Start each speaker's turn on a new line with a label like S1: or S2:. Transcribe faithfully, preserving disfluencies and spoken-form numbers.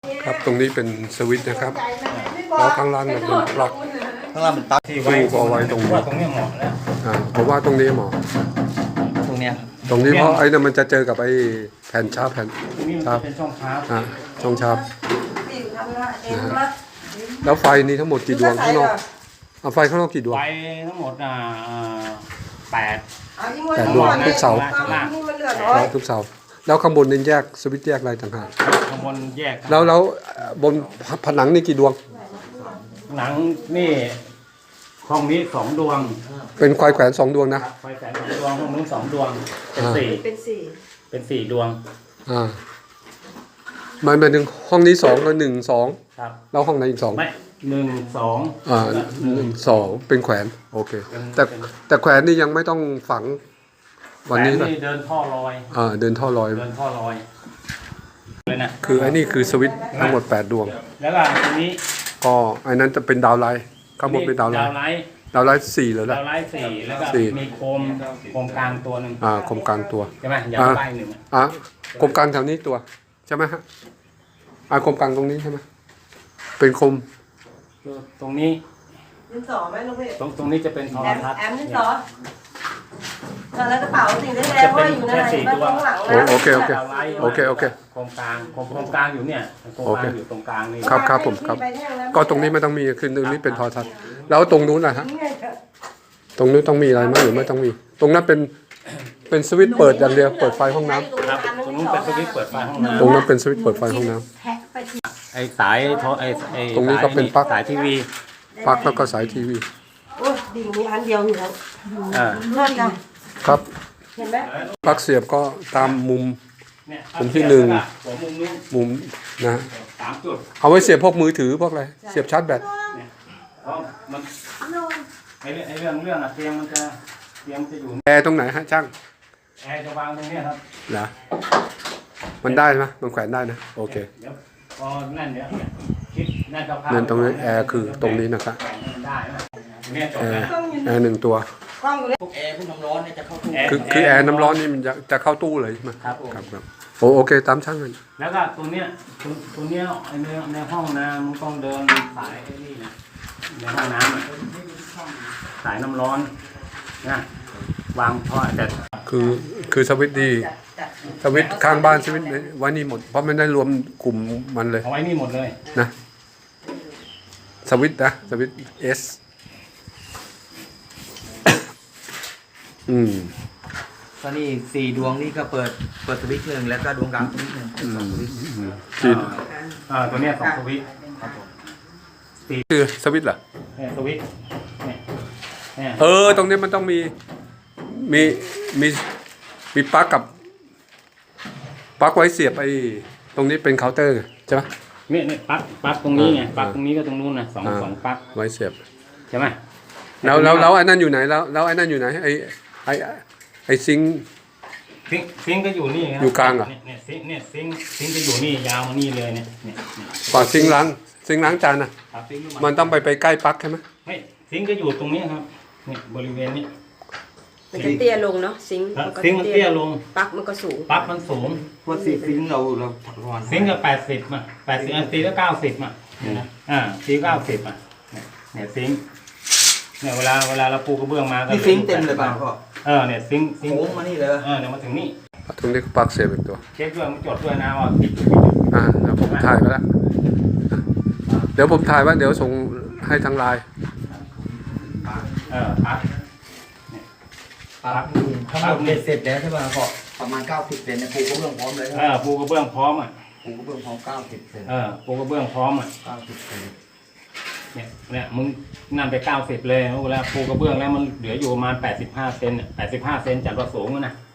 S1: ครับตรงนี้เป็นสวิตช์นะครับแล้วข้างล่างเนี่ยเป็นปลั๊ก
S2: ข้างล่างเป็นปลั๊ก
S1: ตู้ก็เอาไว้ตรงนี้
S3: ตรงนี้เหมาะแล้ว
S1: อ่าผมว่าตรงนี้เหมาะ
S2: ตรงเนี้ย
S1: ตรงนี้เพราะไอ้นั่นมันจะเจอกับไอ้แผ่นชาร์ปแผ่น
S3: ตรงนี้มัน
S1: ชาร์ป
S3: เป็นช่องชาร์จ
S1: อ่าช่องชาร์ปนะฮะแล้วไฟนี้ทั้งหมดกี่ดวงข้างนอกเอาไฟข้างนอกกี่ดวง
S3: ไฟทั้งหมดอ่าแปด
S1: แปดดวงทุกเสา
S3: ล่าง
S1: ทุกเสาแล้วข้างบนนี่แยกสวิตช์แยกอะไรต่างหาก
S3: ข้างบนแยก
S1: แล้วแล้วบนผนังนี่กี่ดวง
S3: หนังนี่ห้องนี้สองดวง
S1: เป็นควายแขวนสองดวงนะ
S3: ไฟแสนสองดวงห้องนู้นสองดวงเป็นสี่
S4: เป็นสี่
S3: เป็นสี่ดวง
S1: อ่ามันเป็นถึงห้องนี้สองแล้วหนึ่งสอง
S3: ครับ
S1: แล้วห้องไหนอีกสอง
S3: ไม่หนึ่งสอง
S1: อ่าหนึ่งสองเป็นแขวนโอเคแต่แต่แขวนนี่ยังไม่ต้องฝังวันนี้
S3: แห
S1: ป่ะ
S3: นี่เดินท่อลอย
S1: อ่าเดินท่อลอย
S3: เดินท่อลอยเลยนะ
S1: คือไอ้นี่คือสวิตช์ทั้งหมดแปดดวง
S3: แล้วก็ตรงนี้
S1: ก็ไอ้นั้นจะเป็นดาวไลท์ข้างบนเป็นดาวไล
S3: ดาว
S1: ท์
S3: ไลท์
S1: ดาวไลท์สี่เลย
S3: ดา
S1: ละ
S3: วไลท์สี่แล้วก็
S1: สี่
S3: มีโคมโคมกลางตัวหนึ่ง
S1: อ่าคมกลางตัว
S3: ใช่ไหมยาวไล่หนึ่งอะ
S1: อ่ะคมกลางแถวนี้ตัวใช่ไหมฮะอ่าคมกลางตรงนี้ใช่ไหมเป็นคม
S3: ตรงนี้
S4: ดินสอไหมลูกพี่
S3: ตรงตรงนี้จะเป็นโทร
S4: แอม
S3: ทัศน์
S4: แอมดินสอแล้วกระเป๋าสิ่งได้แล้วว่าอยู่ในไหนบ้างข้างหลัง
S1: โอ
S4: นะ
S1: โอเคโอเค
S3: ดาวไลท์
S1: โอเคโอเค
S3: โคมกลางโคมโคมกลางอยู่เนี่ยโคม
S1: โอก เค
S3: ลางอยู่ตรงกลางนี่
S1: ครับครับผมครับ ก็ตรงนี้ไม่ต้องมีคือตรงนี้เป็นโทอทัศน์แล้วตรงนู้นนะฮะตรงนู้นต้องมีอะไรไหมหรือไม่ต้องมี ตรงนั้นเป็นเป็นสวิตช์เปิดอย่างเดียวเปิดไฟห้องน้ำ
S3: ครับตรงนู้นเป็นสวิตช์เปิดไฟห้อง
S1: ตรงนั้น
S3: น้ำ
S1: เป็นสวิตช์เปิดไฟห้องน้ำ
S4: แทะไปที่
S3: ไอสายโทรไอไอ
S1: ตรงนี้ก็เป็นปลั๊ก
S3: สายทีวี
S1: ปลั๊กแล้วก็สายทีวี
S4: โอ้ยดิ่งมีอันเดียวอยู่แล้ว
S3: เออ
S4: เพื่อนกัน
S1: ครับ
S4: เห็นไหม
S1: ปลั๊กเสียบก็ตามมุม
S3: เนี่ย
S1: มุมที่หนึ่ง
S3: หัวมุมนู้น
S1: มุมนะฮะ
S3: สามจุด
S1: เอาไว้เสียบพวกมือถือพวกอะไรเสียบชาร์จแบต
S3: เนี่ยเพราะมันไอเรื่องไอเรื่องเรื่องอะเตียงมันจะเตียงมันจะอยู่
S1: แอร์ตรงไหนฮะช่าง
S3: แอร์จะวางตรงเนี้ยครับ
S1: เหรอมันได้ไหมมันแขวนได้นะโอเค
S3: เดี๋ยวพอนั่นเดี๋ยวเนี่ยคิดนั่นคร่าวๆ
S1: เดินตรงนี้แอร์คือตรงนี้นะครับ
S3: แบ่งให้มันได้นะเนี่ยจบ
S1: แอ
S3: แล้
S1: ร์
S3: ว
S1: แอร์หนึ่งตัว
S4: กล้องอยู่เลย
S2: พวกแอร์พวกน้ำร้อนเนี่ยจะเข้าตู้
S1: คือคือแอร์น้ำร้อนนี่มันจะจะเข้าตู้เลยใช่ไหม
S3: ครับผม
S1: ครับครับโอโอเคตามช่างเลย
S3: แล้วก็ตัวเนี้ยตัวตัวเนี้ยไอในในห้องน้ำมันต้องเดินสายไอ้นี่นะในห้องน้ำอะสายน้ำร้อนนะวางท่อแต่
S1: คือคือสวิตช์ดีสวิตช์ข้างบ้านสวิตช์ไว้นี่หมดเพราะมันได้รวมกลุ่มมันเลย
S3: เอาไว้นี่หมดเลย
S1: นะสวิตช์นะสวิตช์เอสอืม
S2: ก็นี่สี่ดวงนี่ก็เปิดเปิดสวิตช์หนึ่งแล้วก็ดวงกลางสวิตช์หนึ่ง
S1: อืม
S2: สองสวิตช์
S1: อืมที่
S3: อ่าตัวเนี้ยสองสวิตช์ครับผม
S1: คือสวิตช์เหรอ
S3: เนี่ยสวิตช์เนี่ยเนี่ย
S1: เออตรงนี้มันต้องมีมีมีมีปลั๊กกับปลั๊กไว้เสียบไอ้ตรงนี้เป็นเคาน์เตอร์ใช่ไหม
S3: เนี่ยเนี่ยปลั๊กปลั๊กตรงนี้ไง
S1: อ่า
S3: ปลั๊กตรงนี้ก็ตรงนู้นนะสอง
S1: อ่า
S3: สองปลั๊ก
S1: ไว้เสียบ
S3: ใช่ไหม
S1: แล้วแล้วแล้วไอ้นั่นอยู่ไหนแล้วแล้วไอ้นั่นอยู่ไหนไอ้ไอ้ไอ้ซิงค์
S3: ซิงค์ซิงค์ก็อยู่นี่ครับ
S1: อยู่กลางเหรอ
S3: เนี่ยเนี่ยซิงค์เนี่ยซิงค์ซิงค์จะอยู่นี่ยาวมานี่เลยเนี่ยเนี่ยเนี่ย
S1: ก่อนซิงค์ล้างซิงค์ล้างจานน่ะ
S3: ครับซิงค์อยู่
S1: มันต้องไปไปใกล้ปลั๊กใช่ไหม
S3: ไม่ซิงค์ก็อยู่ตรงนี้ครับเนี่ยบริเวณนี้
S4: มันจะเตี้ยลงเนาะซิงค์
S3: ครับ
S4: มันก็
S3: ซิงค์มันเตี้ยลง
S4: ปลั๊กมันก็สูง
S3: ปลั๊กมันสูง
S2: พวกสี่ซิงค์เราเราประมาณ
S3: ซิงค์ก็แปดสิบมาแปดสิบอันตีก็เก้าสิบมาเนี่ยนะอ่าตีเก้าสิบอ่ะเนี่ยเนี่ยซิงค์เนี่ยเวลาเวลาเราปูกระเบื้องมาก็
S2: นี่ซิงค์เต็มเลยป่ะพ่อ
S3: เออเนี่ยซิงค์ซิงค์
S2: โค้งมานี่เลย
S3: เออเดี๋ยวมาถึงนี่
S1: ตรงนี้ก็ปลั๊กเสียบอีกตัว
S3: เช็คด้วยมันจดด้วยนะว่าผิดหรือไม่ผิด
S1: อ่าเดี๋ยวผมถ่ายไว้แล้วเดี๋ยวผมถ่ายไว้เดี๋ยวส่งให้ทางไลน์
S3: เออปลั๊ก
S2: ปั๊บนี่ทั้งหมดเบ็ดเสร็จแล้วใช่ป่ะพ่อประมาณเก้าสิบเซนเนี่ยปูกระเบื้องพร้อมเลย
S3: เออปูกระเบื้องพร้อมอ่ะ
S2: ปูกระเบื้องพร้อมเก้าสิบเซน
S3: เออปูกระเบื้องพร้อมอ่ะ
S2: เก้าสิบเซน
S3: เนี่ยเนี่ยมึงนั่นไปเก้าสิบเลยเวลาปูกระเบื้องแล้วมันเหลืออยู่ประมาณแปดสิบห้าเซนแปดสิบห้าเซนจากตัวสูงนะ